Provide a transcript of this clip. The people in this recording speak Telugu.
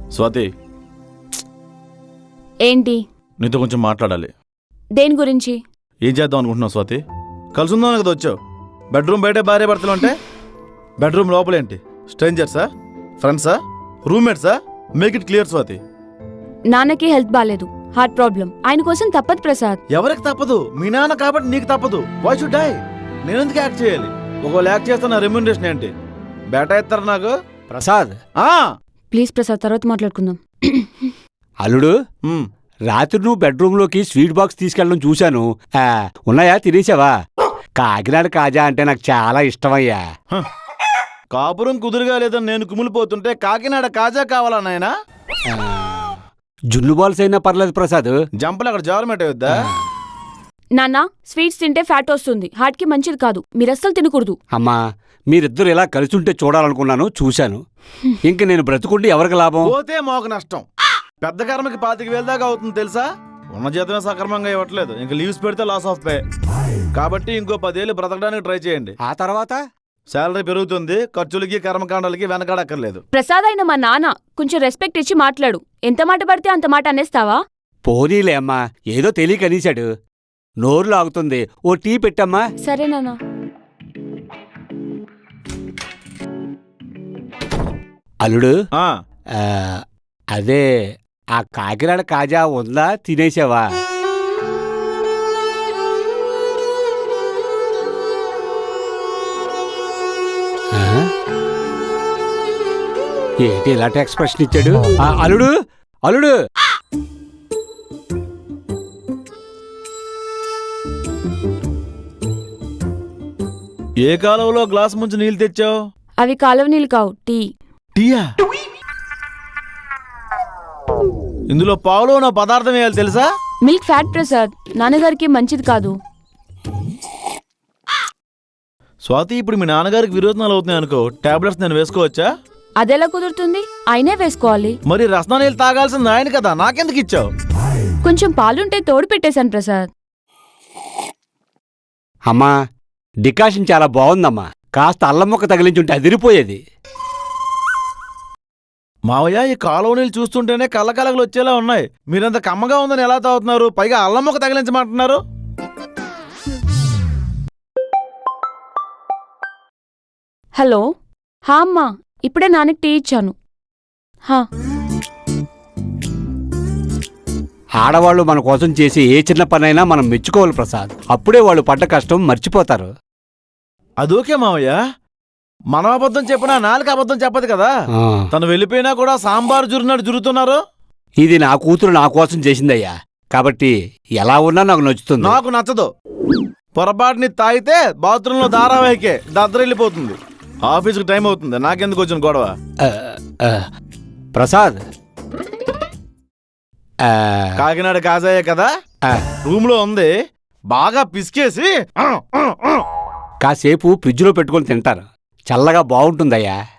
స్వాతి, ఏంటి? నీతో కొంచెం మాట్లాడాలి. దేని గురించి? ఏం చేద్దాం అనుకుంటున్నావు స్వాతి? కలిసి ఉందాం కదా వచ్చావు. బెడ్రూమ్ బయట భార్య భర్తలు అంటే బెడ్రూమ్ లోపలేంటి? స్ట్రేంజర్సా, ఫ్రెండ్సా, రూమ్మేట్సా? Make it clear Swathi. నాన్నకి హెల్త్ బాలేదు, హార్ట్ ప్రాబ్లం. ఆయన కోసం తప్పదు ప్రసాద్. ఎవరికి తప్పదు? మీ నాన్న కాబట్టి నీకు తప్పదు. Why should I? నేను ఎందుకు యాక్ట్ చేయాలి? ఒకవేళ యాక్ట్ చేస్తే నా రెమ్యూనరేషన్ ఏంటి? బేటా ఇస్తారు నాకు. ప్రసాద్, ప్లీజ్ ప్రసాద్, తర్వాత మాట్లాడుకుందాం. అల్లుడు, రాత్రి నువ్వు బెడ్రూమ్లోకి స్వీట్ బాక్స్ తీసుకెళ్ళడం చూశాను. ఉన్నాయా? తినేసావా? కాకినాడ కాజా అంటే నాకు చాలా ఇష్టమయ్యా. కాపురం కుదురుగా లేదని నేను కుమిలిపోతుంటే కాకినాడ కాజా కావాలా నాయనా? జున్ను బాల్స్ అయినా పర్లేదు ప్రసాద్. జంపలు అక్కడ జారమేట వద్దా? నాన్న, స్వీట్స్ తింటే ఫ్యాట్ వస్తుంది, హార్ట్ కి మంచిది కాదు. మీరస్సలు తినకూడదు. అమ్మా, మీరిద్దరు ఇలా కలిసుంటే చూడాలనుకున్నాను, చూశాను. ఇంక నేను బ్రతుకుంటే ఎవరికి లాభం? పోతే మాకు నష్టం. పెద్ద కర్మకి 25,000 దాకా అవుతుంది తెలుసా? ఉన్న జీతమే సక్రమంగా ఇవ్వట్లేదు. ఇంక లీవ్స్ పెడితే లాస్ ఆఫ్ పే. కాబట్టి ఇంకో 10 ఏళ్ళు బ్రతకడానికి ట్రై చేయండి. ఆ తర్వాత శాలరీ పెరుగుతుంది, ఖర్చులకి కర్మకాండాలకి వెనకాడక్కర్లేదు. ప్రసాద్ అయిన మా నాన్న, కొంచెం రెస్పెక్ట్ ఇచ్చి మాట్లాడు. ఎంత మాట పడితే అంత మాట అనేస్తావా? పోనీలే అమ్మా, ఏదో తెలియక అనేశాడు. నోరు లాగుతుంది, ఓ టీ పెట్టమ్మా. సరే నాన్న. అల్లుడు, ఆ, అదే ఆ కాకినాడ కాజా ఉందా? తినేసావా? ఏంటి ఇలాంటి ఎక్స్ప్రెషన్ ఇచ్చాడు? అల్లుడు, అల్లుడు, ఏ కాలంలో గ్లాస్ ముంచి నీళ్ళు తెచ్చావు? అవి కాలువ నీళ్ళు కావు, టీ. టీయా? ఇందులో పావులో ఉన్న పదార్థం వేయాలి తెలుసా? మిల్క్ ఫ్యాట్ ప్రసాద్, నాన్నగారికి మంచిది కాదు. స్వాతి, ఇప్పుడు మీ నాన్నగారికి విరోచనాలు అవుతున్నాయి అనుకో, టాబ్లెట్స్ నేను వేసుకోవచ్చా? అదెలా కుదురుతుంది? ఆయనే వేసుకోవాలి. మరి రసనా నీళ్ళు తాగాల్సింది ఆయన కదా, నాకెందుకు ఇచ్చావు? కొంచెం పాలుంటే తోడు పెట్టేశాను ప్రసాద్. అమ్మా, డికాషన్ చాలా బాగుందమ్మా. కాస్త అల్లం ముక్క తగిలించుంటే అదిరిపోయేది. మావయ్య, ఈ కాలువ నీళ్ళు చూస్తుంటేనే కళ్ళకలగలు వచ్చేలా ఉన్నాయి. మీరంత కమ్మగా ఉందని ఎలా తాగుతున్నారు? పైగా అల్లం ముక్క తగిలించమంటున్నారు. హలో. హా అమ్మా, ఇప్పుడే నాన్నకి టీ ఇచ్చాను. హా. ఆడవాళ్లు మన కోసం చేసే ఏ చిన్న పనైనా మనం మెచ్చుకోవాలి ప్రసాద్. అప్పుడే వాళ్ళు పడ్డ కష్టం మర్చిపోతారు. అదోకే మావయ్య, మనం అబద్ధం చెప్పినా నాలుగు అబద్ధం చెప్పదు కదా. తను వెళ్ళిపోయినా కూడా సాంబార్ జురున్నాడు జురుతున్నారు. ఇది నా కూతురు నా కోసం చేసిందయ్యా, కాబట్టి ఎలా ఉన్నా నాకు నచ్చుతుంది. నాకు నచ్చదు. పొరపాటుని తాగితే బాత్రూంలో ధారావాహికే దద్దరిల్లిపోతుంది. ఆఫీస్కి టైం అవుతుంది, నాకెందుకు వచ్చిన గొడవ? ప్రసాద్, కాకినాడ కాజాయే కదా, రూమ్ లో ఉంది, బాగా పిసికేసి కాసేపు ఫ్రిడ్జ్లో పెట్టుకొని తింటారు, చల్లగా బాగుంటుందయ్యా.